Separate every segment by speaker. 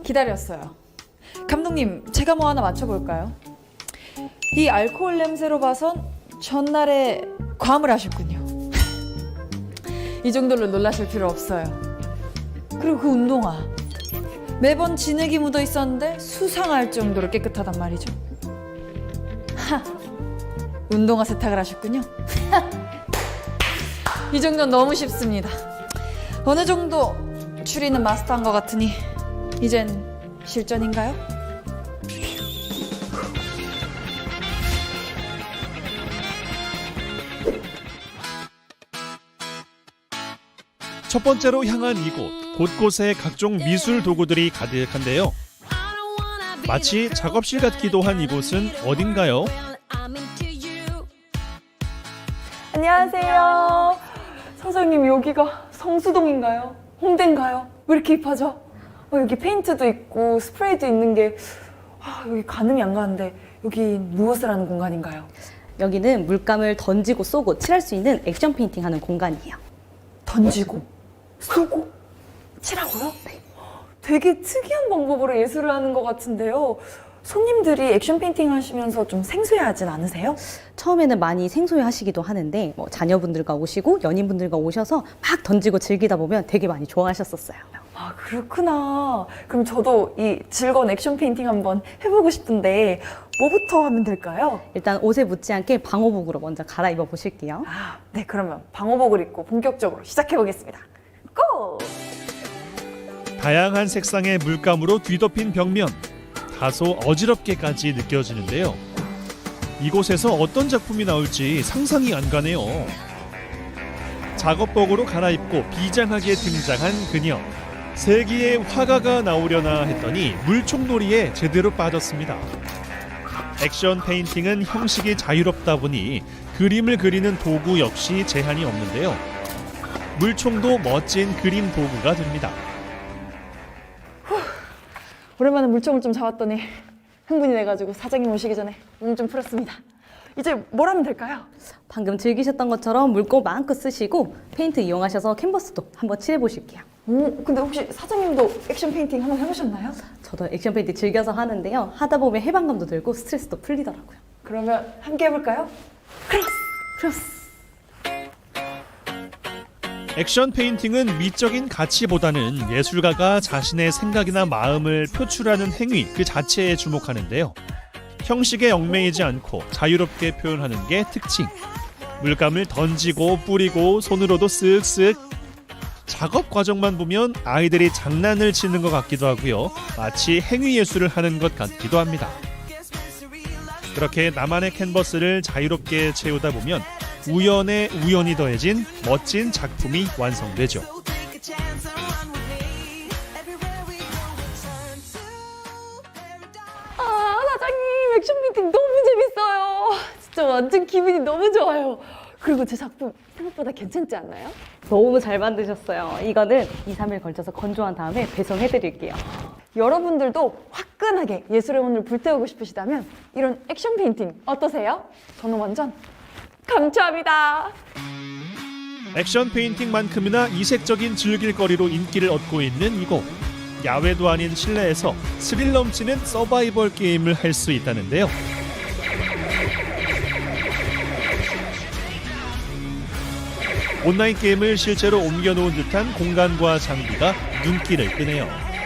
Speaker 1: 기다렸어요. 감독님, 제가 뭐 하나 맞춰볼까요? 이 알코올 냄새로 봐선 전날에 괌을 하셨군요. 이 정도로 놀라실 필요 없어요. 그리고 그 운동화 매번 진흙이 묻어 있었는데 수상할 정도로 깨끗하단 말이죠. 하, 운동화 세탁을 하셨군요. 이 정도는 너무 쉽습니다. 어느 정도 추리는 마스터한 것 같으니 이젠 실전인가요?
Speaker 2: 첫 번째로 향한 이곳, 곳곳에 각종 미술 도구들이 가득한데요. 마치 작업실 같기도 한 이곳은 어딘가요?
Speaker 1: 안녕하세요. 선생님, 여기가 성수동인가요? 홍대인가요? 왜 이렇게 힙하죠? 여기 페인트도 있고 스프레이도 있는 게 여기 가늠이 안 가는데 여기 무엇을 하는 공간인가요?
Speaker 3: 여기는 물감을 던지고 쏘고 칠할 수 있는 액션 페인팅 하는 공간이에요.
Speaker 1: 던지고 쏘고 칠하고요? 네. 되게 특이한 방법으로 예술을 하는 것 같은데요. 손님들이 액션 페인팅 하시면서 좀 생소해하진 않으세요?
Speaker 3: 처음에는 많이 생소해 하시기도 하는데 자녀분들과 오시고 연인분들과 오셔서 막 던지고 즐기다 보면 되게 많이 좋아하셨었어요.
Speaker 1: 아, 그렇구나. 그럼 저도 이 즐거운 액션 페인팅 한번 해보고 싶은데 뭐부터 하면 될까요?
Speaker 3: 일단 옷에 묻지 않게 방호복으로 먼저 갈아입어 보실게요.
Speaker 1: 네, 그러면 방호복을 입고 본격적으로 시작해보겠습니다. 고!
Speaker 2: 다양한 색상의 물감으로 뒤덮인 벽면, 다소 어지럽게까지 느껴지는데요. 이곳에서 어떤 작품이 나올지 상상이 안 가네요. 작업복으로 갈아입고 비장하게 등장한 그녀. 세기의 화가가 나오려나 했더니 물총놀이에 제대로 빠졌습니다. 액션 페인팅은 형식이 자유롭다 보니 그림을 그리는 도구 역시 제한이 없는데요. 물총도 멋진 그림 도구가 됩니다.
Speaker 1: 오랜만에 물총을 좀 잡았더니 흥분이 돼가지고 사장님 오시기 전에 몸 좀 풀었습니다. 이제 뭘 하면 될까요?
Speaker 3: 방금 즐기셨던 것처럼 물고 마음껏 쓰시고 페인트 이용하셔서 캔버스도 한번 칠해 보실게요.
Speaker 1: 근데 혹시 사장님도 액션 페인팅 한번 해보셨나요?
Speaker 3: 저도 액션 페인팅 즐겨서 하는데요. 하다 보면 해방감도 들고 스트레스도 풀리더라고요.
Speaker 1: 그러면 함께 해볼까요? 크로스!
Speaker 2: 액션 페인팅은 미적인 가치보다는 예술가가 자신의 생각이나 마음을 표출하는 행위 그 자체에 주목하는데요. 형식에 얽매이지 않고 자유롭게 표현하는 게 특징. 물감을 던지고 뿌리고 손으로도 쓱쓱. 작업 과정만 보면 아이들이 장난을 치는 것 같기도 하고요. 마치 행위 예술을 하는 것 같기도 합니다. 그렇게 나만의 캔버스를 자유롭게 채우다 보면 우연에 우연이 더해진 멋진 작품이 완성되죠.
Speaker 1: 사장님, 액션 페인팅 너무 재밌어요. 진짜 완전 기분이 너무 좋아요. 그리고 제 작품 생각보다 괜찮지 않나요?
Speaker 3: 너무 잘 만드셨어요. 이거는 2, 3일 걸쳐서 건조한 다음에 배송해 드릴게요.
Speaker 1: 여러분들도 화끈하게 예술의 혼을 불태우고 싶으시다면 이런 액션 페인팅 어떠세요? 저는 완전 강추합니다.
Speaker 2: 액션 페인팅만큼이나 이색적인 즐길거리로 인기를 얻고 있는 이곳. 야외도 아닌 실내에서 스릴 넘치는 서바이벌 게임을 할 수 있다는데요. 온라인 게임을 실제로 옮겨놓은 듯한 공간과 장비가 눈길을 끄네요.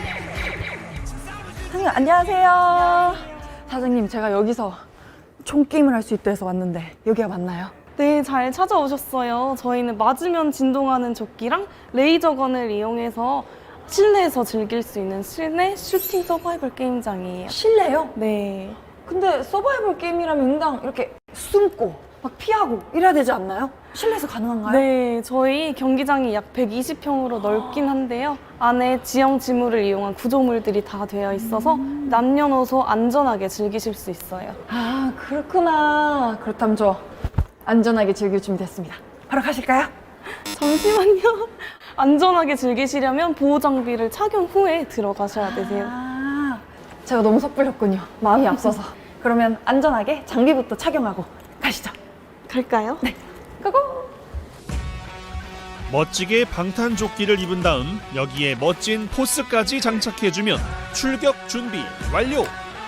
Speaker 1: 사장님, 안녕하세요. 사장님, 제가 여기서 총게임을 할 수 있다 해서 왔는데 여기가 맞나요?
Speaker 4: 네, 잘 찾아오셨어요. 저희는 맞으면 진동하는 조끼랑 레이저건을 이용해서 실내에서 즐길 수 있는 실내 슈팅 서바이벌 게임장이에요.
Speaker 1: 실내요?
Speaker 4: 네.
Speaker 1: 근데 서바이벌 게임이라면 인당 이렇게 숨고 막 피하고 이래야 되지 않나요? 실내에서 가능한가요?
Speaker 4: 네, 저희 경기장이 약 120평으로 넓긴 한데요. 안에 지형 지물을 이용한 구조물들이 다 되어 있어서 남녀노소 안전하게 즐기실 수 있어요.
Speaker 1: 아, 그렇구나. 그렇다면 저 안전하게 즐길 준비 됐습니다. 바로 가실까요?
Speaker 4: 잠시만요. 안전하게 즐기시려면 보호 장비를 착용 후에 들어가셔야 되세요.
Speaker 1: 아, 제가 너무 섣불렸군요. 마음이 앞서서. 그러면 안전하게 장비부터 착용하고 가시죠.
Speaker 4: 갈까요?
Speaker 1: 네. 고고!
Speaker 2: 멋지게 방탄조끼를 입은 다음 여기에 멋진 포스까지 장착해주면 출격 준비 완료!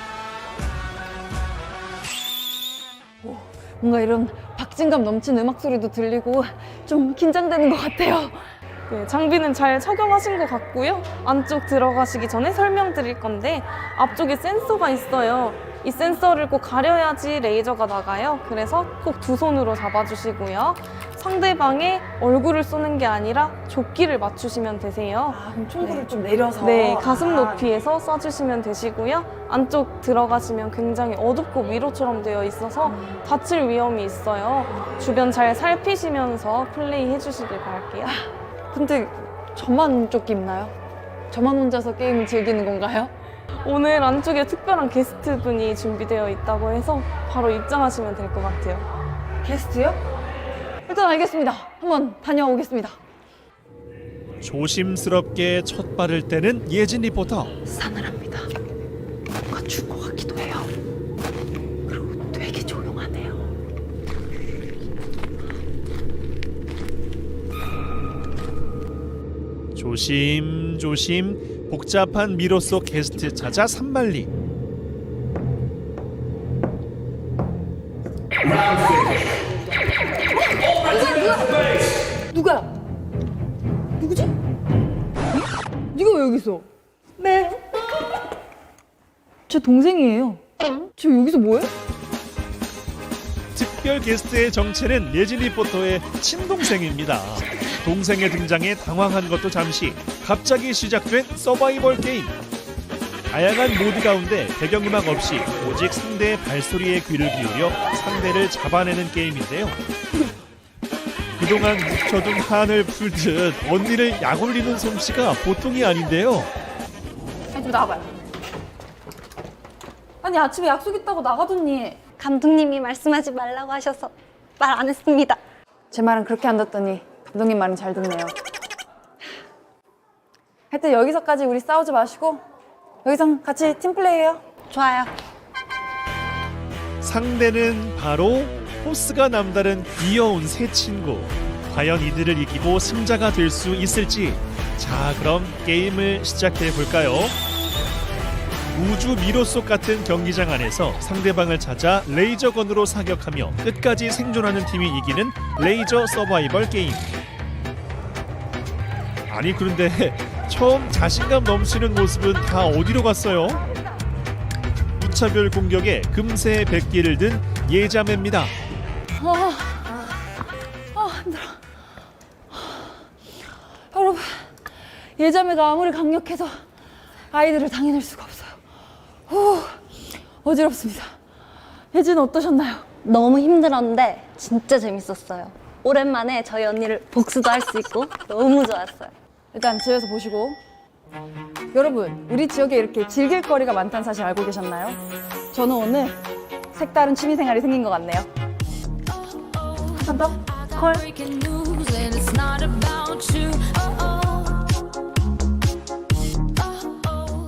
Speaker 1: 뭔가 이런 박진감 넘치는 음악 소리도 들리고 좀 긴장되는 것 같아요.
Speaker 4: 네, 장비는 잘 착용하신 것 같고요. 안쪽 들어가시기 전에 설명드릴 건데 앞쪽에 센서가 있어요. 이 센서를 꼭 가려야지 레이저가 나가요. 그래서 꼭 두 손으로 잡아주시고요. 상대방의 얼굴을 쏘는 게 아니라 조끼를 맞추시면 되세요.
Speaker 1: 아, 그럼 총구를 좀 내려서.
Speaker 4: 네, 가슴 높이에서 쏴주시면 되시고요. 안쪽 들어가시면 굉장히 어둡고 미로처럼 되어 있어서 다칠 위험이 있어요. 주변 잘 살피시면서 플레이 해주시길 바랄게요.
Speaker 1: 근데 저만 조끼 입나요? 저만 혼자서 게임을 즐기는 건가요?
Speaker 4: 오늘 안쪽에 특별한 게스트분이 준비되어 있다고 해서 바로 입장하시면 될 것 같아요.
Speaker 1: 게스트요? 일단 알겠습니다. 한번 다녀오겠습니다.
Speaker 2: 조심스럽게 첫 발을 떼는 예진 리포터.
Speaker 3: 싸늘합니다. 뭔가 줄 것 같기도 해요. 그리고 되게 조용하네요.
Speaker 2: 조심조심 복잡한 미로 속 게스트 찾아 산발리.
Speaker 1: 누가? 누구지? 네가 왜 여기 있어? 네. 제 동생이에요. 저 여기서 뭐해?
Speaker 2: 특별 게스트의 정체는 예진 리포터의 친동생입니다. 동생의 등장에 당황한 것도 잠시. 갑자기 시작된 서바이벌 게임. 다양한 모드 가운데 배경음악 없이 오직 상대의 발소리에 귀를 기울여 상대를 잡아내는 게임인데요. 그동안 묵혀둔 한을 풀듯 언니를 약올리는 솜씨가 보통이 아닌데요.
Speaker 1: 아니 좀 나와봐요. 아니 아침에 약속 있다고 나가더니
Speaker 5: 감독님이 말씀하지 말라고 하셔서 말 안 했습니다.
Speaker 1: 제 말은 그렇게 안 듣더니 감독님 말은 잘 듣네요. 하여튼 여기서까지 우리 싸우지 마시고 여기서 같이 팀플레이해요.
Speaker 5: 좋아요.
Speaker 2: 상대는 바로 포스가 남다른 귀여운 새 친구. 과연 이들을 이기고 승자가 될 수 있을지. 자, 그럼 게임을 시작해 볼까요? 우주 미로 속 같은 경기장 안에서 상대방을 찾아 레이저건으로 사격하며 끝까지 생존하는 팀이 이기는 레이저 서바이벌 게임. 아니 그런데 처음 자신감 넘치는 모습은 다 어디로 갔어요? 무차별 공격에 금세 백기를 든 예자매입니다.
Speaker 1: 힘들어. 여러분, 예자매가 아무리 강력해도 아이들을 당해낼 수가 없어요. 어지럽습니다. 예진 어떠셨나요?
Speaker 5: 너무 힘들었는데 진짜 재밌었어요. 오랜만에 저희 언니를 복수도 할 수 있고 너무 좋았어요.
Speaker 1: 일단 집에서 보시고. 여러분, 우리 지역에 이렇게 즐길 거리가 많다는 사실 알고 계셨나요? 저는 오늘 색다른 취미생활이 생긴 것 같네요. 한 번 더? 콜.
Speaker 6: breaking news and it's not about you. Oh, oh.